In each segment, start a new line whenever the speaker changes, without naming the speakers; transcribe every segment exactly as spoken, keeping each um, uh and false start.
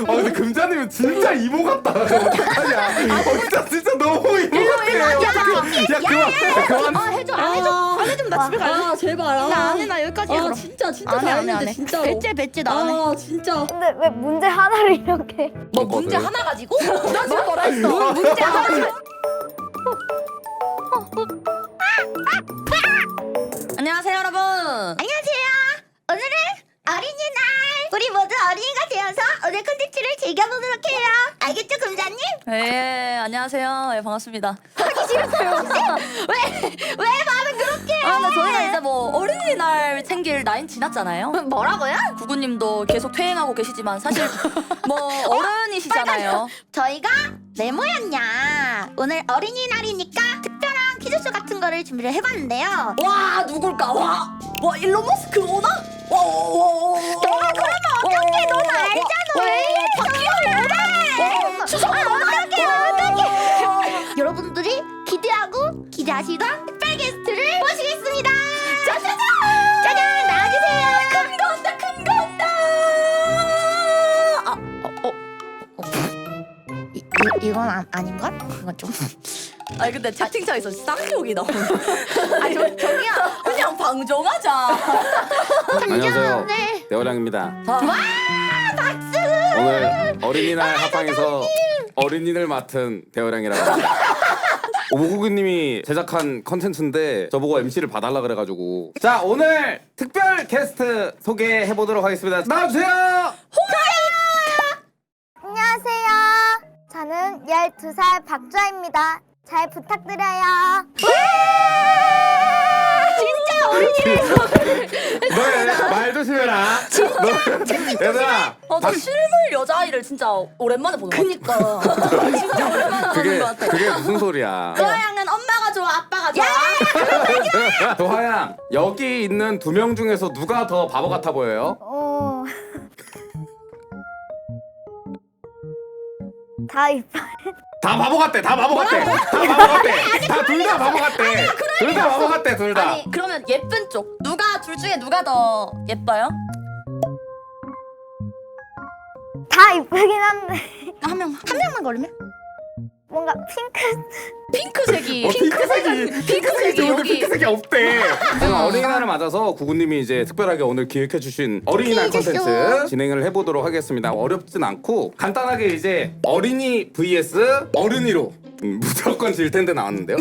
아 근데 금자님은 진짜 이모 같다. 어떡하냐? 어 진짜 진짜 너무 이모 같아. 야 그만 그만.
아 해줘 안 해줘 안 해주면 나 집에 갈래.
아 제발. 아,
나 안 해 나 여기까지 해
아
그럼.
진짜 진짜
안 해, 안 해, 안
잘했는데
해.
진짜로.
배째 배째 나 안 해.
아 진짜.
근데 왜 문제 하나를 이렇게
뭐 문제 하나 가지고? 나 지금 뭐라 했어? 뭐 문제 하나 가지고? 안녕하세요 여러분.
안녕하세요. 오늘은 어린이날. 우리 모두 어린이가 되어서 오늘 콘텐츠를 즐겨보도록 해요. 알겠죠, 금자님?
네 안녕하세요. 예 반갑습니다.
하기 싫었어요. 왜? 왜 말을 그렇게 해?
아 근데 저희가 이제 뭐 어린이날 챙길 나이는 지났잖아요.
뭐라고요?
구구님도 계속 퇴행하고 계시지만 사실 뭐 어른이시잖아요.
저희가 왜 모였냐? 오늘 어린이날이니까 특별한 퀴즈쇼 같은 거를 준비를 해봤는데요.
와 누굴까? 와, 와 일론 머스크 오나? 와, 와, 와, 와.
너가 그러면 어떡해? 넌 알잖아. 왜 이래?
와, 추석
아, 어떡해, 어떡해. 여러분들이 기대하고 기대하시던 특별 게스트를 모시겠습니다. 짜자잔! 짜잔! 나와주세요.
큰 거 온다, 큰 거 온다. 아, 어, 어.
이, 이, 이건 아, 아닌걸? 이건 좀...
아니 근데 채팅창에서 쌍욕이 나오네.
아니 저, 저기요.
그냥 방종하자.
안녕하세요.
네.
대호량입니다.
와,
박수!
오늘 어린이날 합방에서 어린이를 맡은 대호량이라고 합니다. 오구구님이 제작한 컨텐츠인데 저보고 엠씨를 봐달라 그래가지고 자 오늘 특별 게스트 소개해보도록 하겠습니다. 나와주세요.
안녕하세요. 저는 열두 살 박주아입니다. 잘 부탁드려요.
진짜 어린이를
너말 조심해라. 너, 얘들아.
어, 저 실물 여자아이를 진짜 오랜만에 보는 거
그니까.
같아. 진짜 오랜만에
그게
보는 거 같아.
그게 무슨 소리야?
도아양은 엄마가 좋아, 아빠가 좋아.
도하양 여기 있는 두 명 중에서 누가 더 바보 같아 보여요?
어... 다 이뻐.
다 바보 같대. 다 바보 같대. 다 바보 같대. 다 둘 다 바보 같대. 둘 다 바보 같대. 둘 다.
아니 그러면 예쁜 쪽 누가 둘 중에 누가 더 예뻐요?
다 이쁘긴 한데
한 명, 한 명만 고르면?
뭔가 핑크.
핑크색이
어, 핑크색이 핑크색이 좋은데
여기.
핑크색이 없대. 제가 어린이날을 맞아서 구구님이 이제 특별하게 오늘 기획해주신 어린이날
퀴즈쇼.
콘텐츠 진행을 해보도록 하겠습니다. 어렵진 않고 간단하게 이제 어린이 vs 어른이로 음, 무조건 질 텐데 나왔는데요.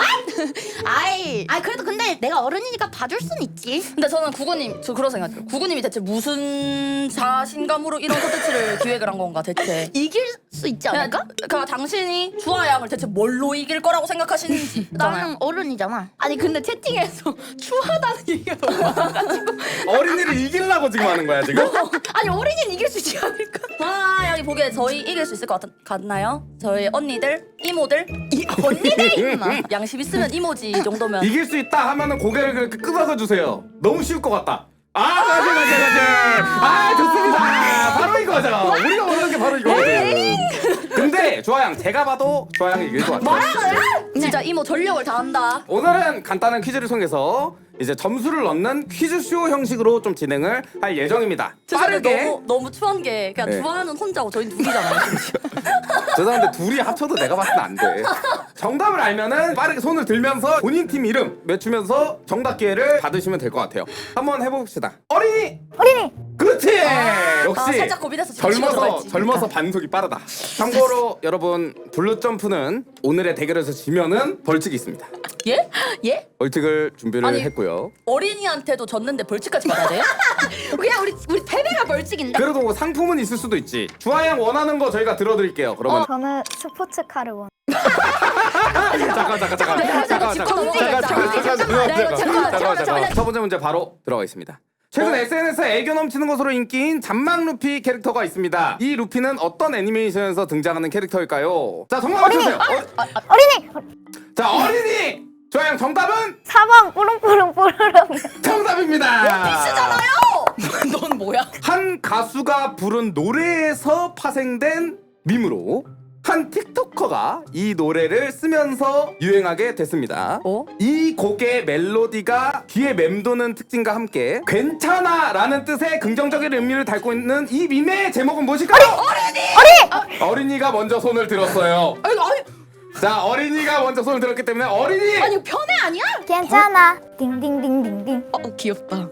아이, 아 그래도 근데 내가 어른이니까 봐줄 순 있지.
근데 저는 구구님 저 그런 생각해요. 구구님이 대체 무슨 자신감으로 이런 콘텐츠를 기획을 한 건가 대체?
이길 수 있지 않을까?
그러니까 당신이 주아양을 대체 뭘로 이길 거라고 생각하시는지.
나는 어른이잖아. 아니 근데 채팅에서 추하다는 얘기가 너무 많아가지고.
어린이를 이기려고 지금 하는 거야 지금?
아니 어린이는 이길 수 있지 않을까?
주아양이 보기에 저희 이길 수 있을 것 같, 같나요? 저희 언니들, 이모들,
이 언니들 있나?
양심 있으면 이모지 이 정도면.
이길 수 있다 하면은 고개를 그렇게 끄덕여 주세요. 너무 쉬울 것 같다. 아 맞아 맞아 맞아. 아 좋습니다. 바로 이거죠. 우리가 원하는 게 바로 이거거든. 근데 조아양 제가 봐도 조아양이 이길 것 같아요.
진짜 이모 전력을 다한다.
오늘은 간단한 퀴즈를 통해서 이제 점수를 넣는 퀴즈쇼 형식으로 좀 진행을 할 예정입니다.
죄송해요.
빠르게.
너무 너무 추한 게 그냥
네.
주아는 혼자고 저희 둘이잖아요.
죄송한데 둘이 합쳐도 내가 봤을 때 안 돼. 정답을 알면은 빠르게 손을 들면서 본인 팀 이름 외치면서 정답 기회를 받으시면 될 것 같아요. 한번 해봅시다. 어린이.
어린이.
그렇지.
아,
역시
살짝 고민해서 지금 치고
젊어서
들어갔지.
젊어서 반속이 빠르다. 참고로 여러분 블루 점프는 오늘의 대결에서 지면은 벌칙이 있습니다.
예? 예?
벌칙을 준비를
아니,
했고요.
어린이한테도 졌는데 벌칙까지 받아야 돼요?
그냥 우리 우리 패배가 벌칙인데.
그래도 뭐 상품은 있을 수도 있지. 주아양 원하는 거 저희가 들어드릴게요. 그러면
저는 스포츠카를 원.
잠깐 잠깐 잠깐
내가
잠깐
짚고
잠깐
넘어가야
잠깐
돼.
잠깐
잠깐만.
잠깐
내가
잠깐
잠깐만,
잠깐
잠깐만,
잠깐
잠깐만.
첫 번째 문제 바로 들어가겠습니다. 최근 에스엔에스에 애교 넘치는 것으로 인기인 잔망 루피 캐릭터가 있습니다. 이 루피는 어떤 애니메이션에서 등장하는 캐릭터일까요? 자 정답 맞추세요. 어,
어린이.
자 어린이 조양 정답은
사 번 뽀롱뽀롱 뽀로롱.
정답입니다.
비슷잖아요. 넌 뭐야?
한 가수가 부른 노래에서 파생된 밈으로 한 한 틱토커가 이 노래를 쓰면서 유행하게 됐습니다.
어?
이 곡의 멜로디가 귀에 맴도는 특징과 함께 괜찮아 라는 뜻의 긍정적인 의미를 담고 있는 이 밈의 제목은 무엇일까요? 어린이! 어린이! 어린이가 먼저 손을 들었어요.
아니 아니
자, 어린이가 먼저 손을 들었기 때문에 어린이!
아니 편애 아니야?
괜찮아. 띵띵띵띵띵.
어 귀엽다.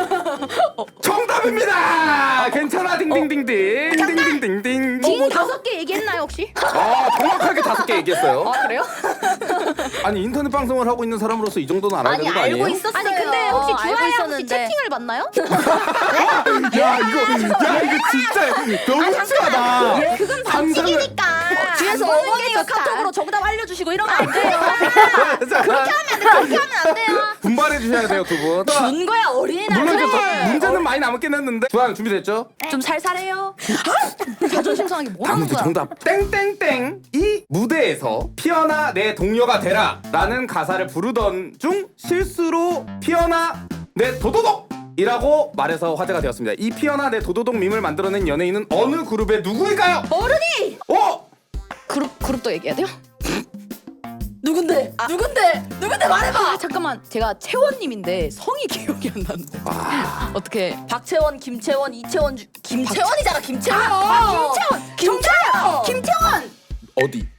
정답입니다! 괜찮아 딩딩딩딩 딩딩딩딩딩
딩 다섯 개 얘기했나요 혹시?
아, 정확하게 다섯 개 얘기했어요.
아 그래요?
아니 인터넷 방송을 하고 있는 사람으로서 이 정도는 알아야 되는 거 아니에요?
알고 있었어요.
아니 근데 혹시
알고
주아야 혹시
있었는데.
채팅을 봤나요?
야 이거 야 이거 진짜 너무 심하다.
그건
상상을-
반칙이니까.
뒤에서
안 보는 게
어머니가
좋다.
카톡으로 정답 알려주시고 이러면 안 돼요.
그렇게
그렇게 하면 안 돼요.
분발해 주셔야 돼요 두 분.
준 거야 어린이날.
물론 이제
그래.
더- 문제는 많이 남았긴 했는데 주한 준비됐죠?
좀 살살해요. 자존심 상하게 뭐
다음
하는
문제
거야?
정답. 땡땡땡 이 무대에서 피어나 내 동료가 되라 라는 가사를 부르던 중 실수로 피어나 내 도도독 이라고 말해서 화제가 되었습니다. 이 피어나 내 도도독 밈을 만들어낸 연예인은 어느 그룹의 누구일까요?
어른이.
어?
그룹 그룹도 얘기해야 돼요? 누군데? 누군데? 누군데 말해봐. 아, 잠깐만 제가 채원님인데 성이 기억이 안 나는데.
아,
어떻게? 박채원, 김채원, 이채원, 주... 김채원이잖아 김채원.
아, 김채원.
김채원.
김채원.
어디?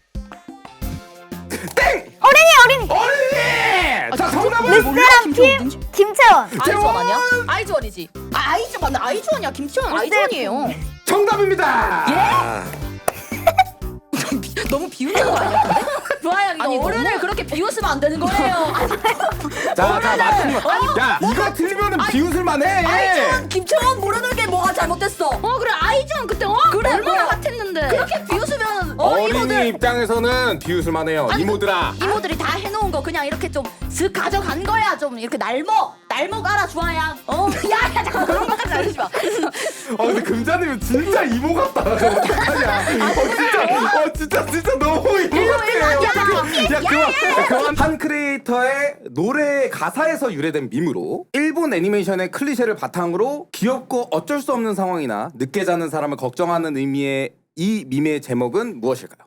땡!
어린이 어린이.
어린이! 자 정답은
르세랑 팀 김채원.
아이즈원 아니야? 아이즈원이지. 아 아이즈 맞나? 아이즈원이야. 김채원 아이즈원이에요.
정답입니다.
예? 너무 비웃는 거 아니야? 좋아요. 이거
아니,
어른을
너무-
그렇게 비웃으면 안 되는 거예요.
자, 자 맞춘 거. 야 이거 틀리면은 비웃을만 해.
아이즈원, 김채원 모르는 게 뭐가 잘못됐어?
어 그래 아이즈원 그때 어?
그래,
얼마나
뭐야.
같았는데.
그렇게 비웃으면 어
어린이
이모들
입장에서는 비웃을만 해요. 이모들아.
이모들이 다 해놓은 거 그냥 이렇게 좀 슥 가져간 거야. 좀 이렇게 날먹 날먹 알아 주아야. 어 야야 잠깐 그런 것까지 알리지 마.
어 근데 금자님은 진짜 이모 같다. 어떡하냐. 어 진짜 어 진짜 진짜 너무 이모 같아. 어떡해. 야 그만 야, 그만. 한 크리에이터의 노래 가사에서 유래된 밈으로 일본 애니메이션의 클리셰를 바탕으로 귀엽고 어쩔 수 없는 상황이나 늦게 자는 사람을 걱정하는 의미의 이 밈의 제목은 무엇일까요?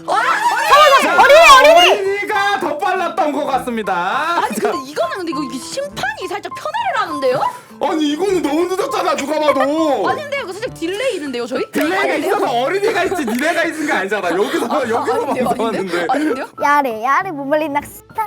어린이 어린이 어린이가 더 빨랐던 것 같습니다.
아니 근데 이거는 근데 이거 이게 심판이 살짝 편애를 하는데요?
아니 이거는 너무 늦었잖아 누가 봐도.
아니 근데 이거 살짝 딜레이 있는데요 저희?
딜레이가 있어서 어린이가 있지 니네가 있은 게 아니잖아. 여기서 여기서
아닌데요,
방송하는데.
아닌데요?
야래 야래 못 말린 낚시다.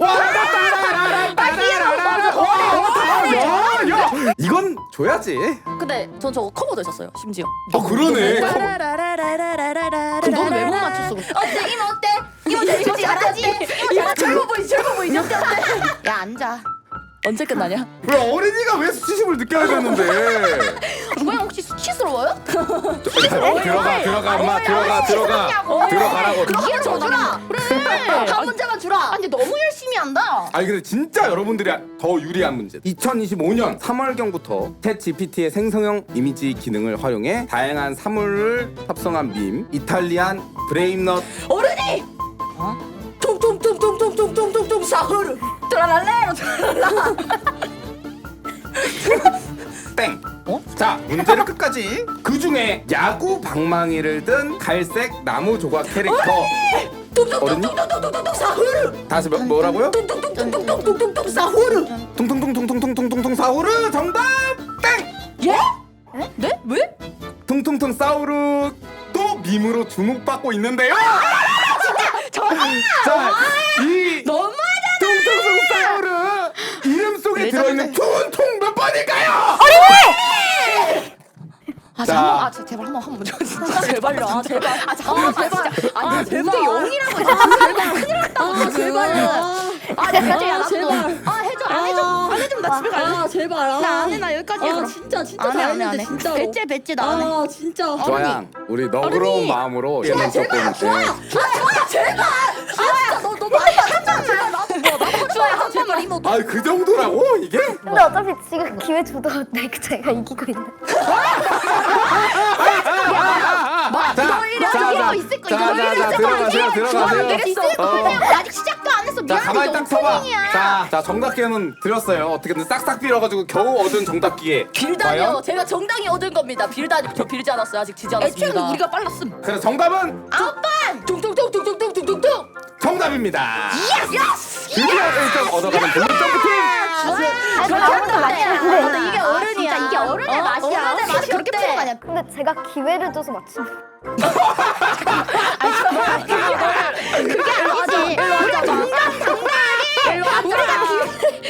야야 이건 줘야지.
근데 전 저거 커버도 했었어요. 심지어.
아 그러네.
그럼
너는 왜 못 맞췄어?
어때 이모 어때? 이모 이모 잘하지? 이모 젊어 보이지 젊어 보이지 어때 어때?
야 앉아.
언제 끝나냐?
왜 어린이가 왜 수치심을 느껴야 되는데?
주아야 혹시 수치스러워요?
들어가 들어가 엄마 들어가 들어가 들어가라고.
이게 저주라. 그래.
한 문제만 주라.
아니 근데 너무 열심히 한다.
아니 근데 진짜 여러분들이 더 유리한 문제. 이천이십오 년 삼월경부터 챗 지피티의 생성형 이미지 기능을 활용해 다양한 사물을 합성한 밈 이탈리안 브레임넛
어른이. 퉁퉁퉁퉁퉁퉁퉁퉁퉁 사흐르. 트라랄레로 트라랄라.
땡.
어?
자 문제를 끝까지. 그 중에 야구 방망이를 든 갈색 나무 조각 캐릭터. 어른이?
퉁퉁퉁퉁퉁퉁퉁 사흐르.
다시 뭐, 뭐라고요?
퉁퉁퉁퉁퉁퉁퉁 사흐르.
퉁퉁퉁퉁퉁퉁퉁퉁 사우르 정답 땡.
예? 네? 왜?
퉁퉁퉁 사우르 또 밈으로 주목받고 있는데요. 자, 이
너무하잖아.
퉁퉁퉁 사우르 이름 속에
왜
들어있는 퉁퉁 몇 번일까요?
아
자.
잠깐 아 저- 제발 한번 한번 먼저
진짜 제발요. 아 제발.
아 잠깐만
제발.
진짜
아,
아니
제발.
제발 영이라고 제발 큰일 났다고
아 제발요.
아 내가 야
아, 제발.
아 해줘 안 해줘 안 해주면 나 집에 갈래.
아 제발. 아.
나 안 해 나 여기까지 해.
아
그럼.
진짜 진짜
안 해, 안 해, 안
잘했는데
해.
진짜로.
배째 배째 나 안 해.
아 진짜.
조양 우리 너그러운
어른이.
마음으로 얘는 조금 네.
아 좋아요 제발. 아 진짜 너너 많이 받았잖아. 제발 나도 뭐 나도 좋아요 한 번만 이모.
아그 정도라고 이게?
근데 어차피 지금 기회 주도인데 제가 이기고 있는.
자,
이거 이거
자,
이거
자,
있을 거
자,
이거
자, 자, 들어가세요, 들어가세요.
있을 거
어.
그냥 아직 시작도 안 했어.
못했어.
자
미안해.
가만히
이게
딱 서봐.
오프닝이야.
자, 자 정답 기회는 드렸어요. 어떻게든 싹싹 빌어가지고 겨우 얻은 정답 기회.
빌다니요.
과연?
제가 정당히 얻은 겁니다. 빌다니 저 빌지 않았어요. 아직 지지 않았습니다.
애초에는 우리가 빨랐음.
그래서 정답은
아홉 번. 퉁퉁퉁퉁퉁퉁퉁퉁.
정답입니다.
예스.
드디어 일 점 얻어가는 블루 점프팀.
아니
저런
다른 거
거
아니야.
아니야.
근데
근데 이게 어른이야.
진짜 이게 어른의
어?
맛이야.
어른의 맛이
그렇게
없대.
푸는 거 아니야.
근데 제가 기회를 줘서 맞춘.
그게 아니지. 우리가 정답 정답이.
일로 와봐.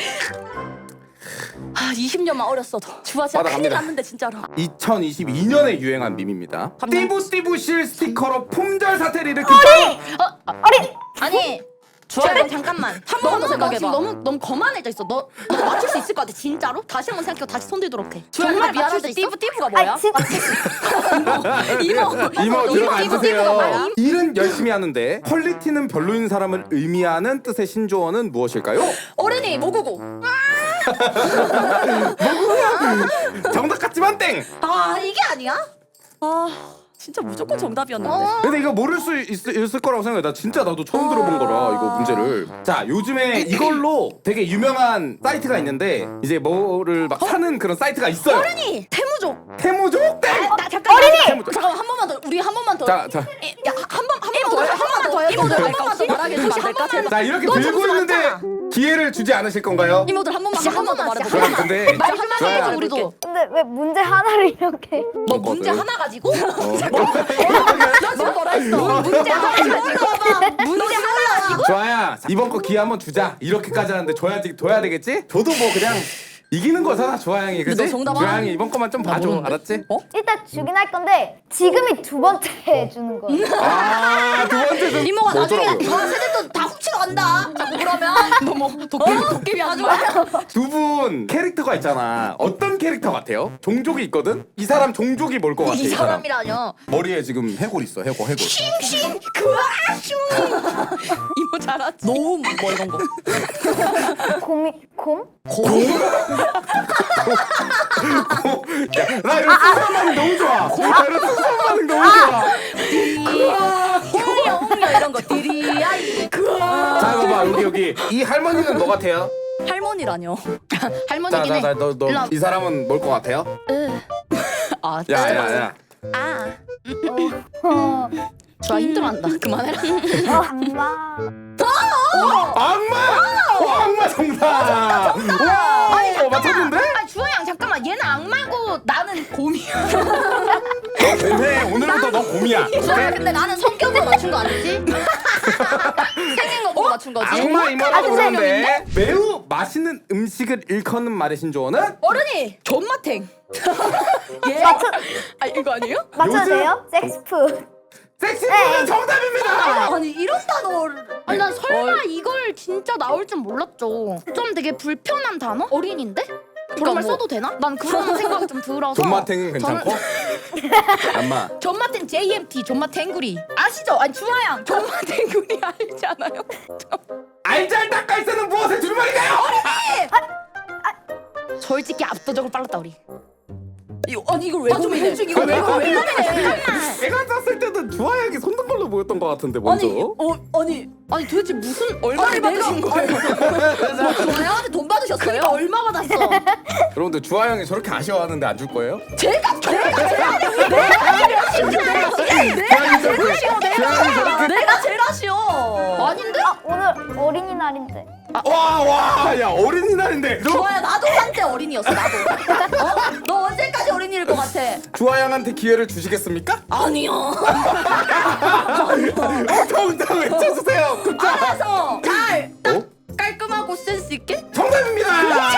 아 이십 년만 어렸어도 주아 진짜 큰일
받아갑니다.
났는데 진짜로.
이천이십이 년에 유행한 밈입니다. 띠부띠부실 스티커로 품절 사태를 일으킨
어린.
아니. 주아야 잠깐만.
한 번만 더
너무 너
생각해봐.
지금 너무 너무 거만해져 있어. 너, 너 맞출 수 있을 것 같아 진짜로? 다시 한번 생각해. 다시 손 들도록 해.
정말
맞출 수
미안한데
있어?
띠부띠부가 뭐야?
아니 진짜.
이모
이모 들어가
띠부띠부가
앉으세요.
뭐야?
일은 열심히 하는데 퀄리티는 별로인 사람을 의미하는 뜻의 신조어는 무엇일까요?
어른이 모구고.
정답 같지만 땡!
아 이게 아니야? 아 진짜 무조건 정답이었는데.
근데 이거 모를 수 있, 있을 거라고 생각해. 나 진짜 나도 처음 들어본 거라 이거 문제를. 자 요즘에 이걸로 되게 유명한 사이트가 있는데 이제 뭐를 막 사는 그런 사이트가 있어요.
어른이 태무족.
태무족 땡!
나 잠깐만.
어린이!
잠깐만 한 번만 더. 우리 한 번만 더.
자, 자,
야한번한 번만 더. 해. 한 번만 더. 이모들 한 번만 더 말하게 해주면 안 될까? 제발.
자 이렇게
너
들고
점수
있는데
많잖아.
기회를 주지 않으실 건가요?
이모들 한 번만 한 번만 더 말해볼게.
그럼 근데
말 한마디
좋아요.
해줘 우리도.
근데 왜 문제 하나를 이렇게?
뭐 문제
거든.
하나 가지고?
어.
너 지금 뭐라 했어? 문제 하나 가지고? 문제 하나 가지고?
좋아야 이번 거 기회 한번 주자. 이렇게까지 하는데 줘야지 둬야 되겠지? 저도 뭐 그냥 이기는 거잖아 조아양이 그지?
너 정답
조아양이 이번 거만 좀 봐줘
모르는데?
알았지?
어?
일단 주긴 할 건데 지금이 두 번째 해주는 거예요.
아두 번째 좀
이모가 나중에
뭐더라고요.
주한 세대도 다 훔치러 간다. 자꾸 그러면 너뭐 도깨비 도깨비 하지 마.
두 분 캐릭터가 있잖아. 어떤 캐릭터 같아요? 종족이 있거든? 이 사람 종족이 뭘 것 같아?
이
이 사람
사람이라뇨.
머리에 지금 해골 있어 해골 해골
싱싱 그아슝. 이모 잘하지. 노음 뭐 이런 거.
곰이 곰?
나 이런 수상 반응 너무 좋아 나 이런 수상 반응 너무 좋아
홍려 홍려 이런 거. 디리아이 그아.
자 봐봐 여기 여기 이 할머니는 뭐 같아요?
할머니라뇨.
할머니긴 해.
자자자 너 너
일로 와.
이 사람은 뭘 것 같아요?
아 진짜.
야야야
아.
어.
주아 힘들어한다. 그만해라.
어, 악마.
악마! 어, 악마 정답! 와! 어, 맞췄는데?
아 주아양 잠깐만. 얘는 악마고 나는 곰이야.
너 되네 오늘부터 너 곰이야
주아야 근데 나는 성격으로 맞춘 거 아니지? 생긴 거 보고 맞춘 거지?
악마 이모라고
아주
그러는데 매우 맛있는 음식을 일컫는 말의 신조어는?
어른이 존맛탱. 예?
맞춰
아 이거 아니에요?
맞춰도
요즘-
돼요? 섹스푸드.
섹시푸드 정답입니다!
아니 이런 단어를.
아니 난 설마 이걸 진짜 나올 줄 몰랐죠. 좀 되게 불편한 단어? 어린인데? 그런 말
뭐-
써도 되나? 난 그런 생각이 좀 들어서.
존맛탱은 괜찮고? 악마
존맛탱 제이엠티 존맛탱구리 아시죠? 아니 주아양 존맛탱구리 알지 않아요?
알잘 닦아있어는 무엇의 줄말인가요?
솔직히 압도적으로 빨랐다 우리.
이거 아니 이걸 왜 고민해? 이거 왜 이걸 왜 고민해?
내가 썼을 때는 주아양이 손든 걸로 보였던 것 같은데 먼저
아니 어 아니
아니 도대체 무슨
아니
얼마를
내가
받으신 거예요?
뭐 주아양한테 돈 받으셨어요?
그러니까 얼마 받았어?
여러분들 주아양이 저렇게 아쉬워하는데 안 줄 거예요?
제가 제가 제가 내가
주아양이 저렇게 주아양이 저렇게
내가 제일 아쉬워.
아닌데?
아 오늘 어린이날인데.
와와야 어린이날인데 너
좋아요. 나도 한때 어린이였어. 나도. 어? 너 언제까지 어린이일 것 같아?
주아양한테 기회를 주시겠습니까?
아니요.
정답 외쳐주세요 급자
알아서 잘
어?
깔끔하고 센스 있게?
정답입니다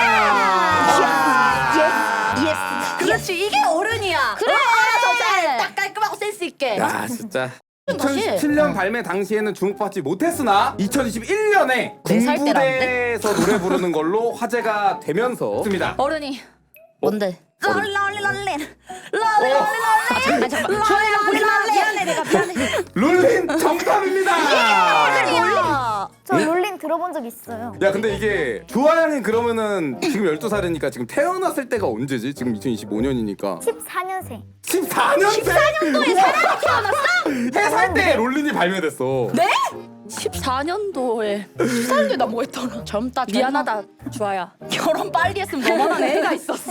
예스. 그렇지. 이게 어른이야.
그래.
알아서 잘딱 깔끔하고 센스 있게.
야 진짜
다시.
이천십칠 년 발매 당시에는 주목받지 못했으나 이천이십일 년에
네살
군부대에서 노래 부르는 걸로 화제가 되면서 습니다
어른이 뭔데?
롤리 롤리 롤리
어.
롤리
아니 잠깐만 주아양 보지 마. 미안해 내가 미안해.
룰린 정답입니다
롤리야.
저 롤린 들어본 적 있어요.
야 근데 이게 주아양이 그러면은 지금 열두 살이니까 지금 태어났을 때가 언제지? 지금 이천이십오 년이니까
십사 년생.
십사 년생? 십사 년도에 사람이 태어났어? 해살 때 롤린이 발매됐어
네?
십사 년도에 십사 년도에 나 뭐 했더라? 젊다
미안하다 주아야.
결혼 빨리 했으면 너만한 애가 있었어.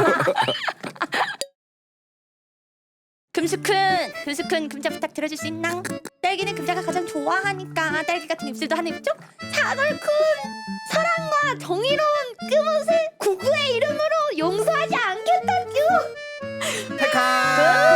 금수큰 금수큰 금자 부탁 들어줄 수 있나? 딸기는 금자가 가장 좋아하니까 딸기 같은 입술도 하나 입죠?
사골쿤 사랑과 정의로운 끝옷을 구구의 이름으로 용서하지 않겠다규.
백화